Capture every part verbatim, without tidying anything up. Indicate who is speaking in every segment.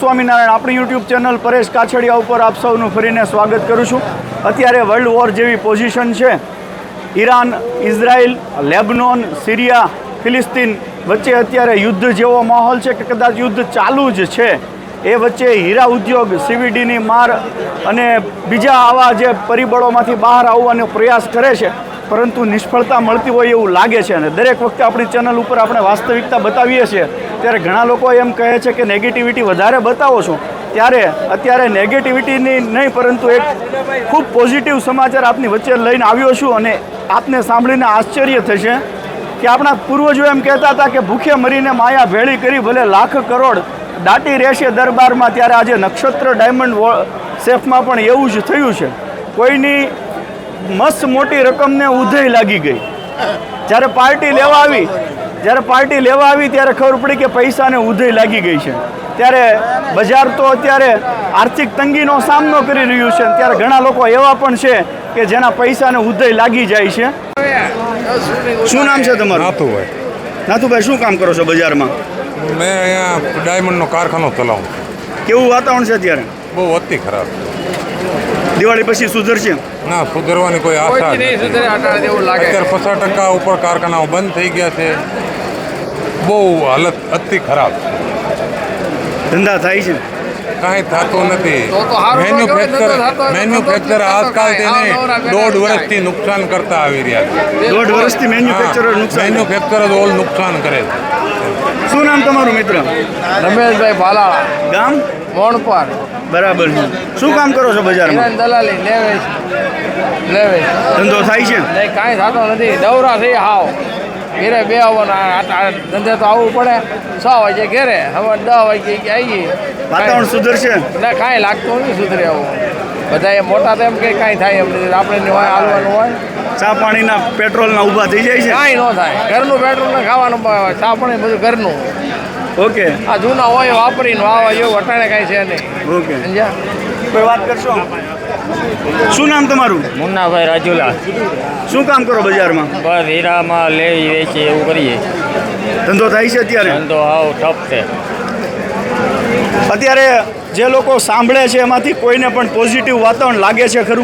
Speaker 1: સ્વામિનારાયણ આપણી YouTube channel Paresh Kachhadiya ઉપર આપ સૌનું ફરીને સ્વાગત કરું છું। અત્યારે વર્લ્ડ વોર જેવી પોઝિશન છે। ઈરાન, ઇઝરાયલ, લેબનોન, સિરિયા, ફિલિસ્તીન વચ્ચે અત્યારે યુદ્ધ જેવો માહોલ છે કે કદાચ યુદ્ધ ચાલુ જ છે। એ વચ્ચે હીરા ઉદ્યોગ, સીવીડીની માર અને બીજા આવા જે પરિબળોમાંથી બહાર આવવાનો પ્રયાસ કરે છે, પરંતુ નિષ્ફળતા મળતી હોય એવું લાગે છે। અને દરેક વખતે આપણી ચેનલ ઉપર આપણે વાસ્તવિકતા બતાવીએ છીએ ત્યારે ઘણા લોકો એમ કહે છે કે નેગેટિવિટી વધારે બતાવો છો, ત્યારે અત્યારે નેગેટિવિટીની નહીં પરંતુ એક ખૂબ પોઝિટિવ સમાચાર આપની વચ્ચે લઈને આવ્યો છું। અને આપને સાંભળીને આશ્ચર્ય થશે કે આપણા પૂર્વજો એમ કહેતા હતા કે ભૂખે મરીને માયા ભેળી કરી ભલે લાખ કરોડ દાટી રહેશે દરબારમાં, ત્યારે આજે નક્ષત્ર ડાયમંડ સેફમાં પણ એવું જ થયું છે। કોઈની મસ્ત મોટી રકમને ઉધઈ લાગી ગઈ। જ્યારે પાર્ટી લેવા આવી જ્યારે પાર્ટી લેવા આવી ત્યારે ખબર પડી કે પૈસાને ઉધઈ લાગી ગઈ છે। ત્યારે બજાર તો અત્યારે આર્થિક તંગીનો સામનો કરી રહ્યું છે। ત્યારે ઘણા લોકો એવા પણ છે કે જેના પૈસાને ઉધઈ લાગી જાય છે। શું નામ છે તમારું?
Speaker 2: નાથુભાઈ।
Speaker 1: નાથુભાઈ, શું કામ કરો છો બજારમાં?
Speaker 2: મેં અહીંયા ડાયમંડનો કારખાનો ચલાવું।
Speaker 1: કેવું વાતાવરણ છે અત્યારે?
Speaker 2: બહુ અતિ ખરાબ।
Speaker 1: દિવાળી પછી સુધરશે?
Speaker 2: ના, સુધરવાની કોઈ આશા નથી। અત્યારે પચાસ ટકા ઉપર કારખાનાઓ બંધ થઈ ગયા છે। બહુ હાલત અતિ ખરાબ છે।
Speaker 1: ધંધા થાય છે?
Speaker 2: કાંઈ થતું નથી। મેન્યુફેક્ચર મેન્યુફેક્ચર આજકાલ તેને દોઢ વર્ષથી નુકસાન કરતા આવી રહ્યા છે।
Speaker 1: દોઢ વર્ષથી મેન્યુફેક્ચર નુકસાન
Speaker 2: મેન્યુફેક્ચર જ ઓલ નુકસાન કરે છે।
Speaker 1: શું નામ તમારું મિત્ર?
Speaker 3: રમેશભાઈ ભાલાળા,
Speaker 1: ગામ
Speaker 3: મોણપર।
Speaker 1: બરાબર છે। શું કામ કરો છો બજારમાં?
Speaker 3: દલાલી લેવેશ લેવેશ
Speaker 1: ધંધો થાય છે?
Speaker 3: નહીં, કાંઈ થતો નથી। દવરા થઈ હાવ ઘેરે બે આવવાના ધંધે તો આવવું પડે। છ વાગે ઘેરે, હવે દસ વાગે આવીએ।
Speaker 1: વાતાવરણ સુધરશે?
Speaker 3: ના, કાંઈ લાગતું નથી સુધરે આવું। બધા એ મોટા તો એમ કે કાંઈ થાય એમ નથી, આપણે હોય હાલવાનું હોય।
Speaker 1: ચા પાણીના પેટ્રોલના ઊભા થઈ જાય છે?
Speaker 3: કાંઈ ન થાય, ઘરનું પેટ્રોલ ને ખાવાનું, ચા પાણી બધું ઘરનું।
Speaker 1: ઓકે,
Speaker 3: આ જૂના હોય વાપરીને વાવા જેવું અટાણે કાંઈ છે નહીં।
Speaker 1: ઓકે,
Speaker 3: સમજ્યા?
Speaker 1: કોઈ વાત કરશો? શું નામ તમારું?
Speaker 4: મુન્નાભાઈ રાજુલા।
Speaker 1: શું કામ કરો બજારમાં?
Speaker 4: બસ હીરામાં લેવી વેચી એવું કરીએ।
Speaker 1: ધંધો થાય છે અત્યારે?
Speaker 4: ધંધો હાવ ઠપ છે।
Speaker 1: અત્યારે જે લોકો સાંભળે છે એમાંથી કોઈને પણ પોઝિટિવ વાતાવરણ લાગે છે ખરું?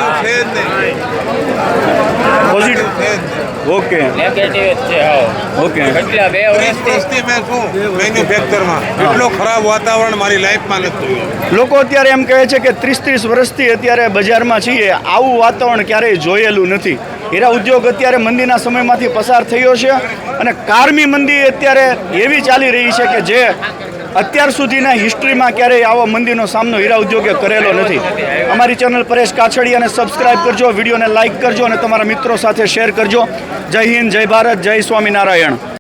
Speaker 1: પોઝિટિવ? ઓકે,
Speaker 4: નેગેટિવ જ છે હાવ।
Speaker 1: ઓકે,
Speaker 4: કેટલા બે વર્ષથી
Speaker 2: મેં શું મેન્યુફેક્ચરમાં એટલું ખરાબ વાતાવરણ મારી લાઈફમાં નથી જોયું।
Speaker 1: લોકો અત્યારે એમ કહે છે કે ત્રીસ ત્રીસ વર્ષથી અત્યારે બજારમાં છીએ, આવું વાતાવરણ ક્યારેય જોયેલું નથી। હીરા ઉદ્યોગ અત્યારે મંદીના સમયમાંથી પસાર થયો છે અને કારમી મંદી અત્યારે એવી ચાલી રહી છે કે જે અત્યાર સુધીના હિસ્ટ્રીમાં ક્યારેય આવો મંદીનો સામનો હીરા ઉદ્યોગે કરેલો નથી। અમારી ચેનલ પરેશ કાછડિયાને સબસ્ક્રાઇબ કરજો, વિડીયોને લાઇક કરજો અને તમારા મિત્રો સાથે શેર કરજો। જય હિન્દ, જય ભારત, જય સ્વામિનારાયણ।